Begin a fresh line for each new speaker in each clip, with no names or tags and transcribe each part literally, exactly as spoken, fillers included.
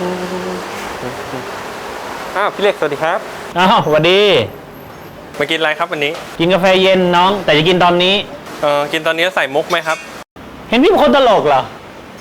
อ้าวพี่เล็กสวัสดีครับ
อ้าวสวัสดี
มากินอะไรครับวันนี้
กินกาแฟเย็นน้องแต่จะกินตอนนี้
เออกินตอนนี้ใส่มุกไหมครับ
เห็นพี่เป็นคนตลกเหรอ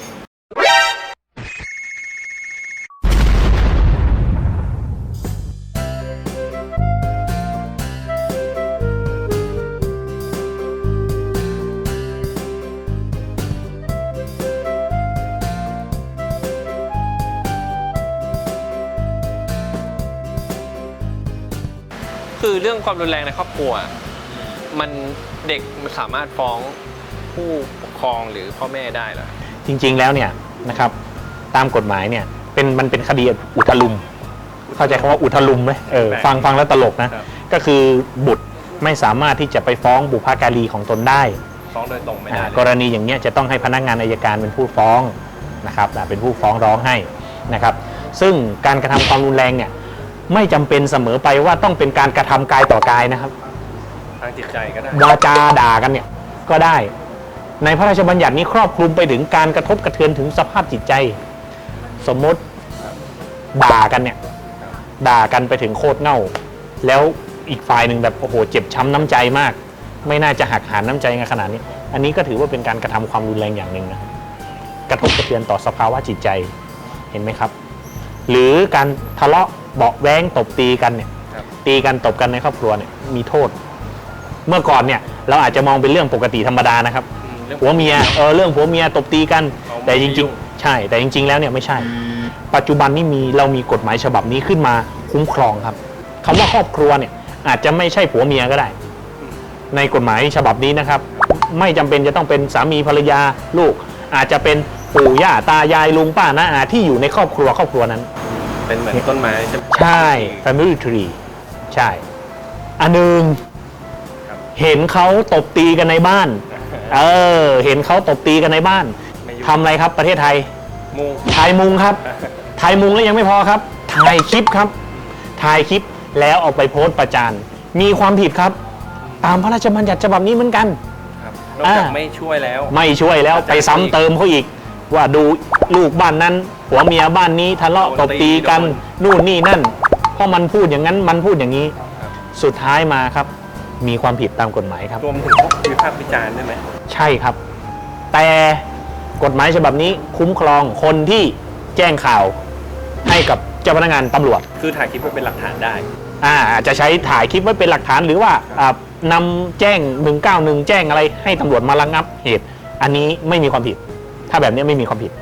คือเรื่องความรุนแรงในครอบครัวมันเด็กมันสามารถฟ้องผู้ปกครองหรือพ่อแม่ได้เหรอ
จริงๆแล้วเนี่ยนะครับตามกฎหมายเนี่ยเป็นมันเป็นคดีอุทลุมเข้าใจคำว่าอุทลุมไหมเออฟังฟังแล้วตลกนะก็คือบุตรไม่สามารถที่จะไปฟ้องบุพการีของตนได้
ฟ้องโดยตรงไม่ได้
กรณีอย่างเนี้ยจะต้องให้พนักงานอัยการเป็นผู้ฟ้องนะครับเป็นผู้ฟ้องร้องให้นะครับซึ่งการกระทำความรุนแรงเนี่ยไม่จำเป็นเสมอไปว่าต้องเป็นการกระทำกายต่อกายนะครับ
ทางจิตใจก็ได้
วาจาด่ากันเนี่ยก็ได้ในพระราชบัญญัตินี้ครอบคลุมไปถึงการกระทบกระเทือนถึงสภาพจิตใจสมมติด่ากันเนี่ยด่ากันไปถึงโคตรเง่าแล้วอีกฝ่ายหนึ่งแบบโอ้โหเจ็บช้ำน้ำใจมากไม่น่าจะหักหานน้ำใจกันขนาดนี้อันนี้ก็ถือว่าเป็นการกระทำความรุนแรงอย่างหนึ่งนะกระทบกระเทือนต่อสภาวะจิตใจเห็นไหมครับหรือการทะเลาะเบาะแว้งตบตีกันเนี่ยตีกันตบกันในครอบครัวเนี่ยมีโทษเมื่อก่อนเนี่ยเราอาจจะมองเป็นเรื่องปกติธรรมดานะครับผัวเมียเออเรื่องผัวเมียตบตีกันแต่จริงๆใช่แต่จริงๆแล้วเนี่ยไม่ใช่ปัจจุบันนี้มีเรามีกฎหมายฉบับนี้ขึ้นมาคุ้มครองครับคำว่าครอบครัวเนี่ยอาจจะไม่ใช่ผัวเมียก็ได้ในกฎหมายฉบับนี้นะครับไม่จำเป็นจะต้องเป็นสามีภรรยาลูกอาจจะเป็นปู่ย่าตายายลุงป้าน้าอาที่อยู่ในครอบครัวครอบครัวนั้น
เป็นเหมือนต้นไม้
ใช่ family tree ใช่อันหนึ่งเห็นเขาตบตีกันในบ้านเออเห็นเขาตบตีกันในบ้านทำอะไรครับประเทศไทย
มุง
ถ่ายมุงครับถ่ายมุงแล้วยังไม่พอครับถ่ายคลิปครับถ่ายคลิปแล้วเอาไปโพสต์ประจานมีความผิดครับตามพระราชบัญญัติฉบับนี้เหมือนกัน
นอกจากไม่ช่วยแล้ว
ไม่ช่วยแล้วไปซ้ำเติมเขาอีกว่าดูลูกบ้านนั้นผัวเมียบ้านนี้ทะเลาะตบตีกันนู่นนี่นั่นเพราะมันพูดอย่างนั้นมันพูดอย่างนี้สุดท้ายมาครับมีความผิดตามกฎหมายครับ
รวมถึงพวกวิพากษ์วิจารณ์ได้ไหม
ใช่ครับแต่กฎหมายฉบับนี้คุ้มครองคนที่แจ้งข่าวให้กับเจ้าพนักงานตำรวจ
คือถ่ายคลิปไว้เป็นหลักฐานได้
อ่าอาจจะใช้ถ่ายคลิปไว้เป็นหลักฐานหรือว่านำแจ้งหนึ่งเก้าหนึ่งแจ้งอะไรให้ตำรวจมาระงับเหตุอันนี้ไม่มีความผิดถ้าแบบนี้ไม่มีความผิด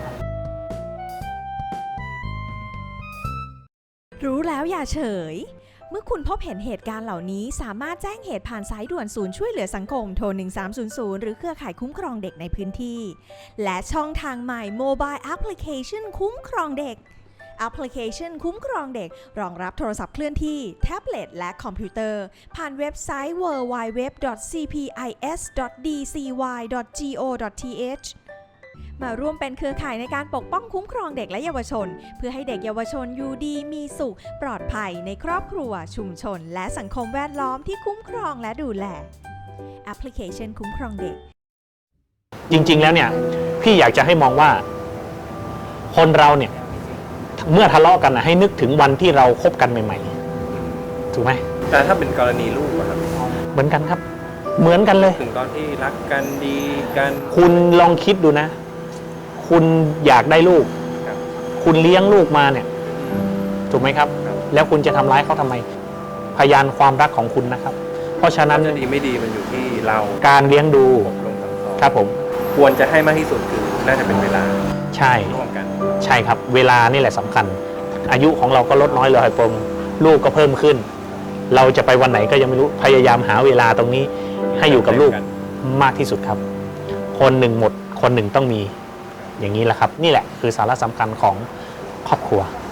รู้แล้วอย่าเฉยเมื่อคุณพบเห็นเหตุการณ์เหล่านี้สามารถแจ้งเหตุผ่านสายด่วนศูนย์ช่วยเหลือสังคมโทรหนึ่งสามศูนย์ศูนย์หรือเครือข่ายคุ้มครองเด็กในพื้นที่และช่องทางใหม่ Mobile Application คุ้มครองเด็กแอปพลิเคชันคุ้มครองเด็กรองรับโทรศัพท์เคลื่อนที่แท็บเล็ตและคอมพิวเตอร์ผ่านเว็บไซต์ ดับเบิลยู ดับเบิลยู ดับเบิลยู ดอท ซี พี ไอ เอส ดอท ดี ซี วาย ดอท จี โอ ดอท ที เอช มาร่วมเป็นเครือข่ายในการปกป้องคุ้มครองเด็กและเยาวชนเพื่อให้เด็กเยาวชนอยู่ดีมีสุขปลอดภัยในครอบครัวชุมชนและสังคมแวดล้อมที่คุ้มครองและดูแลแอปพลิเคชันคุ้มครองเด็ก
จริงๆแล้วเนี่ยพี่อยากจะให้มองว่าคนเราเนี่ยเมื่อทะเลาะกันนะให้นึกถึงวันที่เราคบกันใหม่ๆถูกไหม
แต่ถ้าเป็นกรณีลูกครับ
เหมือนกันครับเหมือนกันเลย
ถึงตอนที่รักกันดีกัน
คุณลองคิดดูนะคุณอยากได้ลูกคุณเลี้ยงลูกมาเนี่ยถูกไหมครับแล้วคุณจะทำร้ายเขาทำไมพยานความรักของคุณนะครับเพราะฉะนั้น
ดีไม่ดีมันอยู่ที่เรา
การเลี้ยงดูครับผม
ควรจะให้มากที่สุดคือน่าจะเป็นเวลา
ใช่
ร่วมกัน
ใช่ครับเวลานี่แหละสำคัญอายุของเราก็ลดน้อยลงปมลูกก็เพิ่มขึ้นเราจะไปวันไหนก็ยังไม่รู้พยายามหาเวลาตรงนี้ให้อยู่กับลูกมากที่สุดครับคนหนึ่งหมดคนหนึ่งต้องมีอย่างนี้แหละครับนี่แหละคือสาระสำคัญของครอบครัว